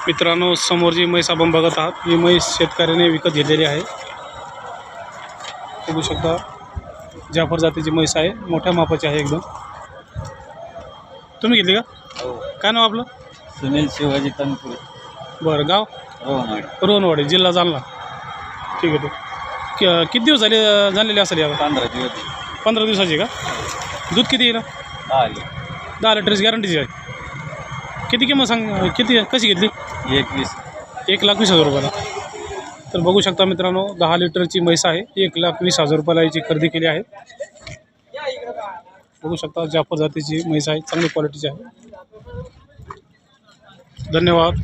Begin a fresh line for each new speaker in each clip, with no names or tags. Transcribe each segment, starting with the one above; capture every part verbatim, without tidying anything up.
मित्रांनो, समोर जी म्हैस आपण बघत आहात ही म्हैस शेतकऱ्याने विकत घेतलेली आहे। बघू शकता जाफर जातीची म्हैस आहे, मोठ्या मापाची आहे एकदम। तुम्ही घेतली का?
हो।
काय नाव आपलं?
सुनील शिवाजी तनपुरे।
बरं, गाव?
रोहनवाडी।
रोहनवाडी, जिल्हा जालना। ठीक आहे, ठीक। किती दिवस झाले झालेले असेल यावर?
पंधरा दिवस।
पंधरा दिवसाची का? दूध किती येईल?
दहा
दहा लिटरची गॅरंटीची आहे। किती किंमत सांग, किती कशी घेतली?
एकवीस
एक लाख वीस हजार रुपयाला। तर बघू शकता मित्रांनो, दहा लिटरची म्हैस आहे, एक लाख वीस हजार रुपयाला याची खरेदी केली आहे। बघू शकता जाफर जातीची म्हैस आहे, चांगली क्वालिटीची आहे। धन्यवाद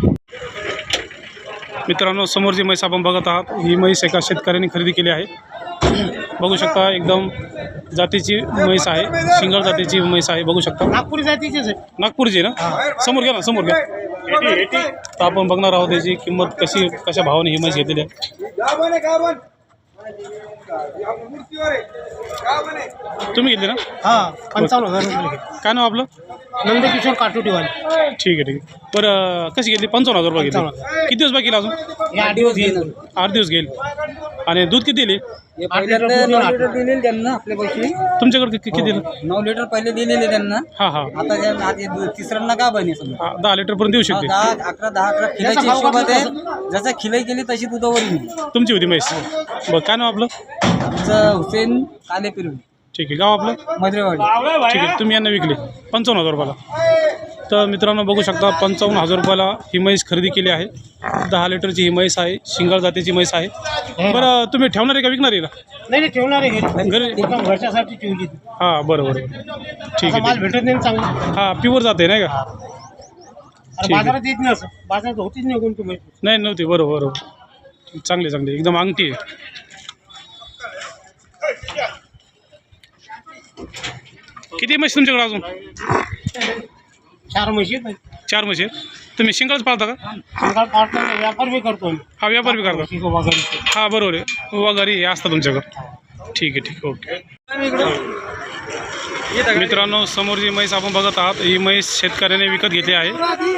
मित्रांनो। समोर जी म्हैस आपण बघत आहात ही म्हैस एका शेतकऱ्याने खरेदी केली आहे। बघू शकता एकदम जातीची म्हैस आहे, शिंगल जातीची म्हैस आहे। बघू शकता
नागपुरी जातीचीच आहे।
नागपूरची ना? समोर घ्या ना, समोर घ्या। तर आपण बघणार आहोत त्याची किंमत कशी कशा भावाने ही म्हैस घेतलेली आहे। तुम्ही घेतली ना?
हा, पंचावन्न हजार रुपये।
काय नाव आपलं?
नंदकिशोर काटोटीवाले।
ठीक आहे, ठीक आहे। बरं, कशी घेतली? पंचावन्न हजार रुपये घेतली। किती दिवस बाकी अजून?
हे आठ दिवस घेईल।
आठ दिवस घेईल। आणि दूध किती दिली?
नऊ लिटर दिलेले त्यांना आपल्या पैसे
तुमच्याकडे कि- किती दिलं?
नऊ लिटर पहिले दिलेले त्यांना।
हां हां
आता ज्या आधी दु- तिसऱ्यांदा का बने समजा
हां, दहा लिटरपर्यंत देऊ शकते।
दहा अकरा दहा अकरा खिलाची हिशोबात आहे। जसं खिलाई केली तशी दुधावर येईल।
तुमची होती म्हैस? बरं, काय नाव आपलं?
आमचं हुसेन काले पिरवी,
ठीक आहे। गाव आपलं?
मधरेवाडी।
ठीक आहे। तुम्ही यांना विकली पंचावन्न हजार रुपयाला। तर मित्रांनो बघू शकता पंचावन्न हजार रुपयाला ही म्हैस खरेदी केली आहे। दहा लिटरची ही म्हैस आहे, शिंगल जातीची म्हैस आहे। बरं, तुम्ही ठेवणार आहे का विकणार आहे?
नाही नाही, ठेवणार आहे घरी।
घरी?
एकदम घरच्यासाठी ठेवली।
हां, बरं बरं ठीक
माल
आहे।
भेटत नाही चांगला।
हां, प्युअर जाते नाही का?
अरे
ठीक आहे.
बाजारात येत नाही, असं बाजारात होतीच नाही कोणती माहिती।
नाही नव्हती, बरोबर बरोबर। चांगली चांगली एकदम अंगठी आहे। किती म्हशी तुमच्याकडे अजून?
चार म्हशी आहेत।
चार म्हशी आहेत। तुम्ही शिंगलच पाळता का?
अंगावर पाडतो, व्यापार बी करतो आम्ही।
हा, व्यापार बी करता?
म्हशी वगैरे
हा, बरोबर आहे। वगैरे हे असतं तुमच्याकडं? ठीक आहे, ठीक आहे, ओके। मित्रांनो, समोर जी म्हैस आपण बघत आहात ही म्हैस शेतकऱ्याने विकत घेतली आहे।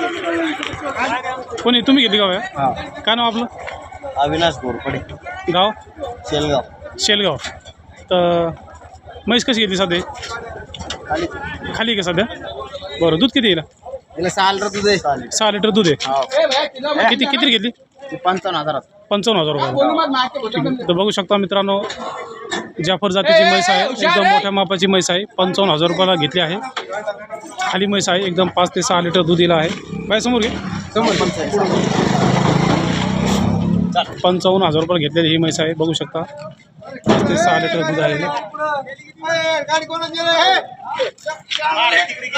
कोणी तुम्ही घेतली गाव? आहे काय नाव आपलं?
अविनाश घोरपडे,
गाव?
शेलगाव।
शेलगाव। तर म्हैस कशी घेतली सध्या?
खाली
खाली का सध्या? बरं, दूध किती येईल?
याला सहा लिटर दूध आहे।
सहा लिटर दूध आहे। किती किती घेतली?
पंचावन्न हजारात।
पंचावन्न हजार रुपये। ठीक आहे। तर बघू शकता मित्रांनो, जाफर जातीची म्हैस आहे, एकदम मोठ्या मापाची म्हैस आहे। पंचावन्न हजार रुपयाला घेतली आहे। खाली म्हैस आहे, एकदम पाच ते सहा लिटर दूध दिलं आहे। बाय समोर घे, पंचावन्न हजार रुपयाला घेतलेली ही म्हैस आहे। बघू शकता पाच ते सहा लिटर दूध आहे।